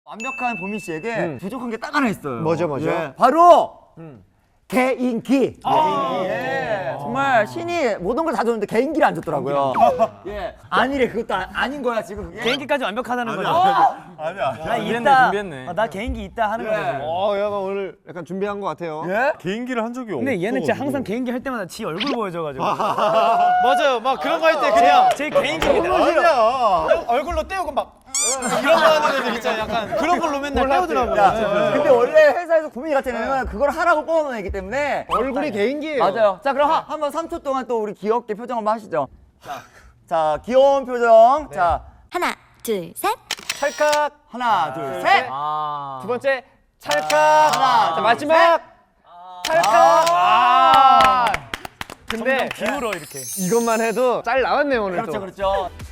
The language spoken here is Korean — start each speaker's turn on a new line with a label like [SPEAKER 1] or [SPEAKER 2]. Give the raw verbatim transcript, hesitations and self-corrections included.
[SPEAKER 1] 완벽한 보민 씨에게
[SPEAKER 2] 음.
[SPEAKER 1] 부족한 게 딱 하나 있어요.
[SPEAKER 2] 뭐죠, 뭐죠?
[SPEAKER 1] 예, 바로
[SPEAKER 2] 음.
[SPEAKER 1] 개인기.
[SPEAKER 2] 아
[SPEAKER 1] 예. 정말 신이 모든 걸 다 줬는데 개인기를 안 줬더라고요. 예. 아니래, 그것도 아, 아닌 거야 지금. 그게.
[SPEAKER 3] 개인기까지 완벽하다는 거죠.
[SPEAKER 4] 아니야.
[SPEAKER 3] 나
[SPEAKER 5] 준비했네,
[SPEAKER 3] 있다.
[SPEAKER 5] 준비했네.
[SPEAKER 3] 어, 나 개인기 있다 하는
[SPEAKER 1] 예.
[SPEAKER 3] 거죠. 지금.
[SPEAKER 2] 어, 약간 오늘 약간 준비한 것 같아요.
[SPEAKER 1] 예?
[SPEAKER 4] 개인기를 한 적이 없어.
[SPEAKER 3] 근데 얘는 진짜 항상 개인기 할 때마다 지 얼굴 보여줘가지고.
[SPEAKER 5] 맞아요. 막 그런 거 할 때 그냥
[SPEAKER 3] 제 개인기입니다.
[SPEAKER 4] 아니야.
[SPEAKER 5] 얼굴로 떼우고 막 이런 거 하는 애들 있잖아요. 약간 그런 걸로 맨날 떼우더라고요.
[SPEAKER 1] 야, 근데 원래 회사에서 보민이 같은 애는 그걸 하라고 뽑아놓은 애기 때문에
[SPEAKER 2] 얼굴이 개인기예요.
[SPEAKER 1] 맞아요. 자, 그럼 하, 한번 삼 초 동안 또 우리 귀엽게 표정 한번 하시죠. 자, 자 귀여운 표정. 자,
[SPEAKER 6] 하나, 둘, 셋.
[SPEAKER 2] 찰칵.
[SPEAKER 1] 하나, 둘, 셋.
[SPEAKER 3] 아.
[SPEAKER 2] 두 번째 찰칵.
[SPEAKER 1] 하나,
[SPEAKER 2] 자,
[SPEAKER 1] 둘,
[SPEAKER 2] 마지막 찰칵.
[SPEAKER 1] 아.
[SPEAKER 2] 근데
[SPEAKER 3] 기울어 이렇게.
[SPEAKER 2] 이것만 해도 짤 나왔네요 오늘
[SPEAKER 1] 그렇죠,
[SPEAKER 2] 또.
[SPEAKER 1] 그렇죠.